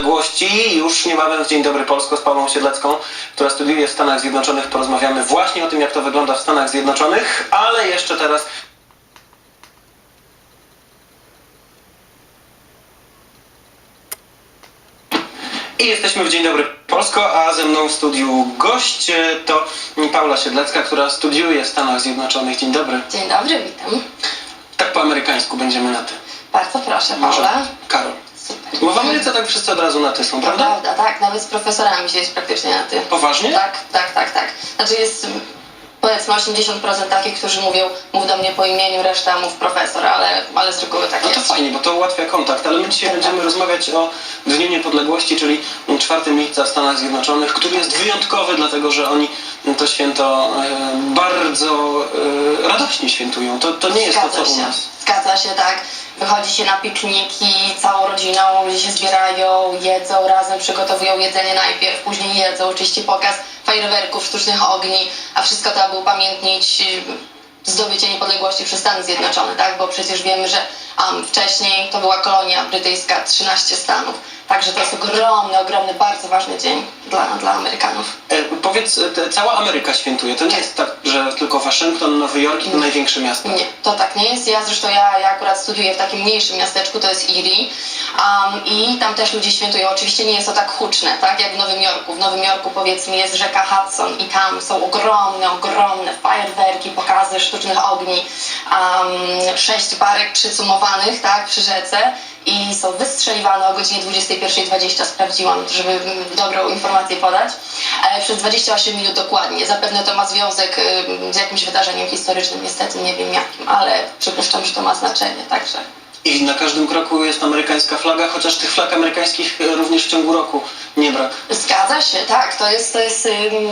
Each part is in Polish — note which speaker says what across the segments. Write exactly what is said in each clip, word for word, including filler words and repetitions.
Speaker 1: Niepodległości. Już niebawem w Dzień Dobry Polsko z Pawłą Siedlecką, która studiuje w Stanach Zjednoczonych. Porozmawiamy właśnie o tym, jak to wygląda w Stanach Zjednoczonych, ale jeszcze teraz... I jesteśmy w Dzień Dobry Polsko, a ze mną w studiu gość to Paula Siedlecka, która studiuje w Stanach Zjednoczonych. Dzień dobry.
Speaker 2: Dzień dobry, witam.
Speaker 1: Tak po amerykańsku będziemy na ty.
Speaker 2: Bardzo proszę,
Speaker 1: Może
Speaker 2: Paula.
Speaker 1: Karol.
Speaker 2: Super.
Speaker 1: Bo w Ameryce tak wszyscy od razu na ty są,
Speaker 2: To
Speaker 1: prawda?
Speaker 2: prawda, tak, nawet z profesorami się jest praktycznie na ty.
Speaker 1: Poważnie?
Speaker 2: Tak, tak, tak, tak. Znaczy jest powiedzmy osiemdziesiąt procent takich, którzy mówią, mów do mnie po imieniu, reszta mów profesor, ale, ale z reguły tak
Speaker 1: No to
Speaker 2: jest.
Speaker 1: fajnie, bo to ułatwia kontakt, ale my dzisiaj
Speaker 2: Tak,
Speaker 1: będziemy
Speaker 2: tak.
Speaker 1: rozmawiać o Dniu Niepodległości, czyli czwartego lipca w Stanach Zjednoczonych, który jest wyjątkowy, dlatego że oni to święto e, bardzo e, radośnie świętują. To, to nie jest
Speaker 2: Zgadza
Speaker 1: to, co u
Speaker 2: się.
Speaker 1: nas.
Speaker 2: Zgadza się, tak. Wychodzi się na pikniki całą rodziną, ludzie się zbierają, jedzą razem, przygotowują jedzenie najpierw, później jedzą, oczywiście pokaz fajerwerków, sztucznych ogni, a wszystko to, aby upamiętnić zdobycie niepodległości przez Stany Zjednoczone, tak? Bo przecież wiemy, że um, wcześniej to była kolonia brytyjska, trzynaście stanów. Także to jest ogromny, ogromny, bardzo ważny dzień dla, dla Amerykanów.
Speaker 1: E, powiedz, te, cała Ameryka świętuje. To nie jest tak, że tylko Waszyngton, Nowy Jork i to największe miasta.
Speaker 2: Nie, to tak nie jest. Ja zresztą ja, ja akurat studiuję w takim mniejszym miasteczku, to jest Erie um, i tam też ludzie świętują. Oczywiście nie jest to tak huczne, tak jak w Nowym Jorku. W Nowym Jorku powiedzmy jest rzeka Hudson i tam są ogromne, ogromne fajerwerki, pokazy sztucznych ogni, um, sześć barek przycumowanych, tak, przy rzece i są wystrzeliwane o godzinie dwudziestej pierwszej dwadzieścia, sprawdziłam, żeby dobrą informację podać, e, przez dwadzieścia osiem minut dokładnie. Zapewne to ma związek e, z jakimś wydarzeniem historycznym, niestety nie wiem jakim, ale przypuszczam, że to ma znaczenie, także.
Speaker 1: I na każdym kroku jest amerykańska flaga, chociaż tych flag amerykańskich również w ciągu roku nie brak.
Speaker 2: Zgadza się, tak, to jest, to jest,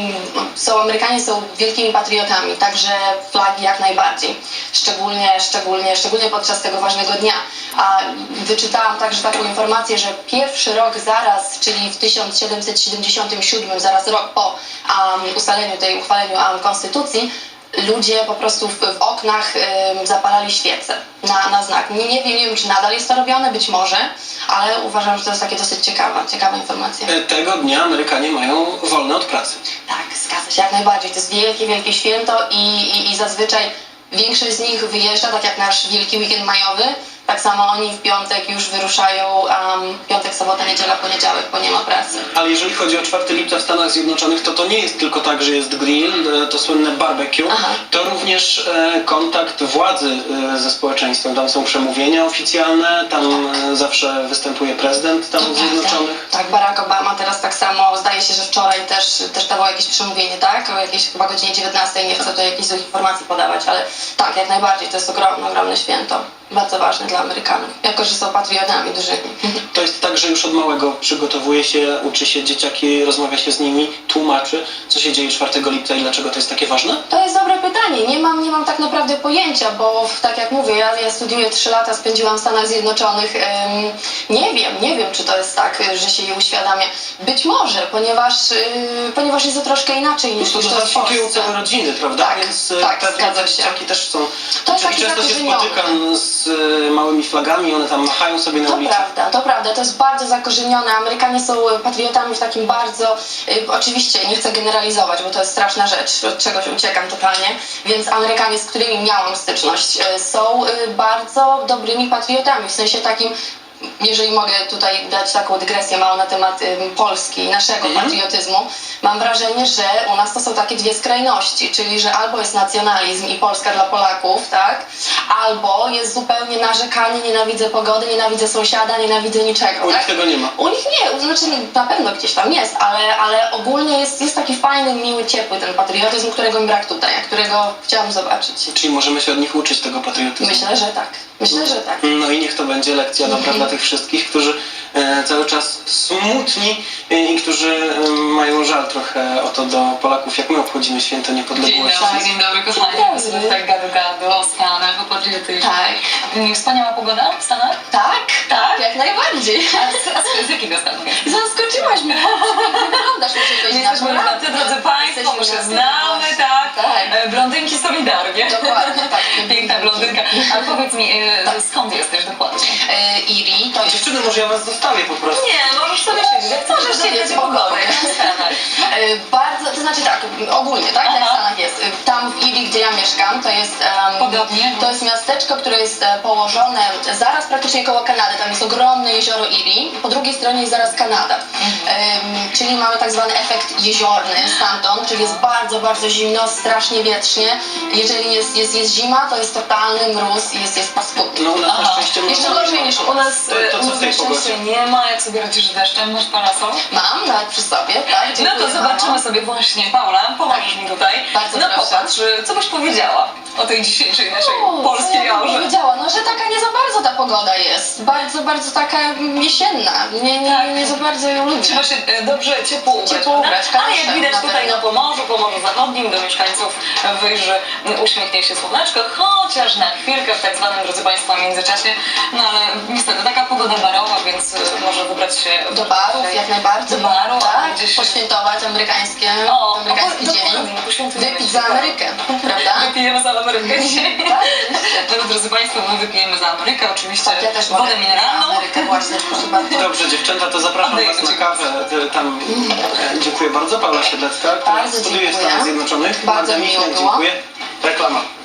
Speaker 2: są, Amerykanie są wielkimi patriotami, także flagi jak najbardziej, szczególnie, szczególnie, szczególnie podczas tego ważnego dnia. A wyczytałam także taką informację, że pierwszy rok zaraz, czyli w tysiąc siedemset siedemdziesiątym siódmym, zaraz rok po um, ustaleniu tej, uchwaleniu um, konstytucji, ludzie po prostu w, w oknach y, zapalali świece na, na znak. Nie, nie wiem, nie wiem, czy nadal jest to robione, być może, ale uważam, że to jest takie dosyć ciekawa, ciekawa informacja.
Speaker 1: Tego dnia Amerykanie mają wolne od pracy.
Speaker 2: Tak, zgadza się, jak najbardziej. To jest wielkie, wielkie święto i, i, i zazwyczaj większość z nich wyjeżdża, tak jak nasz wielki weekend majowy. Tak samo oni w piątek już wyruszają, um, piątek, sobota, niedziela, poniedziałek, bo nie ma pracy.
Speaker 1: Ale jeżeli chodzi o czwartego lipca w Stanach Zjednoczonych, to to nie jest tylko tak, że jest grill, to słynne barbecue,
Speaker 2: Aha.
Speaker 1: to również e, kontakt władzy e, ze społeczeństwem. Tam są przemówienia oficjalne, tam e, zawsze występuje prezydent Stanów Zjednoczonych.
Speaker 2: Tak, Barack Obama teraz tak samo, zdaje się, że wczoraj też, też dawał jakieś przemówienie, tak? O jakiejś chyba godzinie dziewiętnastej, nie chcę tu jakichś złych informacji podawać, ale tak, jak najbardziej, to jest ogromne, ogromne święto. Bardzo ważne dla Amerykanów, jako że są patriotami dużymi.
Speaker 1: To jest tak, że już od małego przygotowuje się, uczy się dzieciaki, rozmawia się z nimi, tłumaczy, co się dzieje czwartego lipca i dlaczego to jest takie ważne?
Speaker 2: To jest dobre pytanie. Nie mam, nie mam tak naprawdę pojęcia, bo tak jak mówię, ja, ja studiuję trzy lata, spędziłam w Stanach Zjednoczonych. Ym, nie wiem, nie wiem, czy to jest tak, że się je uświadamia. Być może, ponieważ, yy, ponieważ jest to troszkę inaczej niż
Speaker 1: No
Speaker 2: to
Speaker 1: to
Speaker 2: jest w
Speaker 1: zakwitują
Speaker 2: Polsce.
Speaker 1: całe rodziny, prawda?
Speaker 2: Tak,
Speaker 1: Więc
Speaker 2: tak,
Speaker 1: pewnie
Speaker 2: zgadza
Speaker 1: te
Speaker 2: się.
Speaker 1: dzieciaki też są.
Speaker 2: To jest
Speaker 1: Czyli
Speaker 2: taki
Speaker 1: często się
Speaker 2: zakorzeniony.
Speaker 1: spotykam z e, małymi flagami, one tam machają sobie na
Speaker 2: To
Speaker 1: ulicy.
Speaker 2: prawda, to prawda, to jest bardzo zakorzenione. Amerykanie są patriotami w takim bardzo, y, oczywiście nie chcę generalizować, bo to jest straszna rzecz, od czegoś uciekam totalnie, więc Amerykanie, z którymi miałam styczność, y, są y, bardzo dobrymi patriotami, w sensie takim, jeżeli mogę tutaj dać taką dygresję małą na temat y, Polski i naszego
Speaker 1: Mhm.
Speaker 2: patriotyzmu, mam wrażenie, że u nas to są takie dwie skrajności, czyli że albo jest nacjonalizm i Polska dla Polaków, tak, albo jest zupełnie narzekanie, nienawidzę pogody, nienawidzę sąsiada, nienawidzę niczego,
Speaker 1: U nich
Speaker 2: tak?
Speaker 1: tego nie ma.
Speaker 2: U nich nie, znaczy na pewno gdzieś tam jest, ale, ale ogólnie jest, jest taki fajny, miły, ciepły ten patriotyzm, którego mi brak tutaj, a którego chciałam zobaczyć.
Speaker 1: Czyli możemy się od nich uczyć tego patriotyzmu.
Speaker 2: Myślę, że tak. Myślę, że tak.
Speaker 1: No i niech to będzie lekcja dobra dla tych wszystkich, którzy e, cały czas smutni e, i którzy e, mają żal trochę o to do Polaków, jak my obchodzimy święto
Speaker 3: Dzień
Speaker 1: niepodległości.
Speaker 3: dobry, dzień dobry kochani.
Speaker 2: Dzień dobry.
Speaker 3: Sobie tak gadu gadu o Stanach, o patriotyzmie.
Speaker 2: Tak.
Speaker 3: Mm, Wspaniała pogoda w Stanach?
Speaker 2: Tak,
Speaker 3: Tak?
Speaker 2: jak najbardziej.
Speaker 3: A z, a z, z jakiego stanu jesteś?
Speaker 2: Zaskoczyłaś mnie. Wyglądasz, muszę powiedzieć, na
Speaker 3: Jesteśmy na ty, drodzy Państwo,
Speaker 2: Jesteśmy
Speaker 3: bo się
Speaker 2: na ty.
Speaker 3: znamy, tak?
Speaker 2: Tak.
Speaker 3: E, Blondynki solidarnie.
Speaker 2: Dokładnie, tak.
Speaker 3: Piękna blondynka. Ale powiedz mi, e, skąd jesteś dokładnie?
Speaker 2: E, Erie to jest...
Speaker 1: Dziewczyny, może ja was zostawię po prostu.
Speaker 3: Nie, możesz sobie
Speaker 2: sobie
Speaker 3: chodzi o pogodę,
Speaker 2: spokojnie.
Speaker 3: jak w Stanach.
Speaker 2: E, Bardzo, to znaczy tak, ogólnie, tak, jak w
Speaker 3: Aha.
Speaker 2: Stanach jest. E, Tam w Erie, gdzie ja mieszkam, to jest, em,
Speaker 3: Podobnie.
Speaker 2: to jest miasteczko, które jest e, położone zaraz praktycznie koło Kanady. Tam jest ogromne jezioro Erie, po drugiej stronie jest zaraz Kanada. Em, czyli mamy tak zwany efekt jeziorny stamtąd, czyli jest bardzo, bardzo zimno, strasznie wietrznie. Jeżeli jest, jest, jest zima, to jest totalny mróz i jest, jest paskudnie.
Speaker 1: No u nas na
Speaker 3: Aha.
Speaker 1: szczęście mamy
Speaker 2: Jeszcze gorzej niż
Speaker 3: U nas,
Speaker 1: To- to
Speaker 3: u
Speaker 1: co
Speaker 3: nas
Speaker 1: w tej
Speaker 3: na szczęście
Speaker 1: pogodzie?
Speaker 3: nie ma, jak sobie radzisz z deszczem, masz parasol?
Speaker 2: Mam nawet przy sobie, tak?
Speaker 3: No
Speaker 2: Dziękuję,
Speaker 3: to zobaczymy
Speaker 2: mamo.
Speaker 3: sobie właśnie, Paula, pomożesz mi tutaj.
Speaker 2: Bardzo
Speaker 3: no
Speaker 2: proszę.
Speaker 3: popatrz, co byś powiedziała o tej dzisiejszej naszej
Speaker 2: O,
Speaker 3: polskiej
Speaker 2: co ja bym
Speaker 3: aurze?
Speaker 2: powiedziała, no że taka nie za bardzo ta pogoda jest. Bardzo, bardzo taka jesienna. Nie, nie,
Speaker 3: Tak.
Speaker 2: nie za bardzo ją lubię.
Speaker 3: Trzeba się e, dobrze ciepło ubrać,
Speaker 2: Ciepło
Speaker 3: prawda?
Speaker 2: ubrać,
Speaker 3: Ale
Speaker 2: koniecznie,
Speaker 3: jak widać
Speaker 2: na
Speaker 3: tutaj
Speaker 2: pewno.
Speaker 3: na Pomorzu, Pomorzu Zachodnim, do mieszkańców wyjrzy uśmiechnie się słoneczko, chociaż na chwilkę w tak zwanym, drodzy Państwo, międzyczasie. No ale niestety taka pogoda barowa, więc e, może wybrać się
Speaker 2: Do barów jak najbardziej.
Speaker 3: Do baru, albo
Speaker 2: tak,
Speaker 3: gdzieś-
Speaker 2: poświętować amerykańskie,
Speaker 3: O,
Speaker 2: amerykański
Speaker 3: o,
Speaker 2: dzień.
Speaker 3: dokładnie, poświętujemy
Speaker 2: Wypić
Speaker 3: się
Speaker 2: za
Speaker 3: baru.
Speaker 2: Amerykę, prawda?
Speaker 3: Wypijemy za Amerykę dzisiaj.
Speaker 2: Tak, oczywiście.
Speaker 3: No, drodzy Państwo, my wypijemy za Amerykę, oczywiście
Speaker 2: Ja też mogę
Speaker 3: wodę
Speaker 2: wypić
Speaker 3: mineralną.
Speaker 2: za Amerykę właśnie, proszę bardzo.
Speaker 1: Dobrze, dziewczęta, to zapraszam
Speaker 3: Oddaję
Speaker 1: Was na
Speaker 3: ci
Speaker 1: kawę. e, Tam e, dziękuję bardzo. Paula Siedlecka, która
Speaker 2: Bardzo
Speaker 1: studiuje w
Speaker 2: dziękuję.
Speaker 1: Stanach Zjednoczonych.
Speaker 2: Bardzo
Speaker 1: Magda
Speaker 2: miło
Speaker 1: Michnik,
Speaker 2: było.
Speaker 1: dziękuję. Reklama.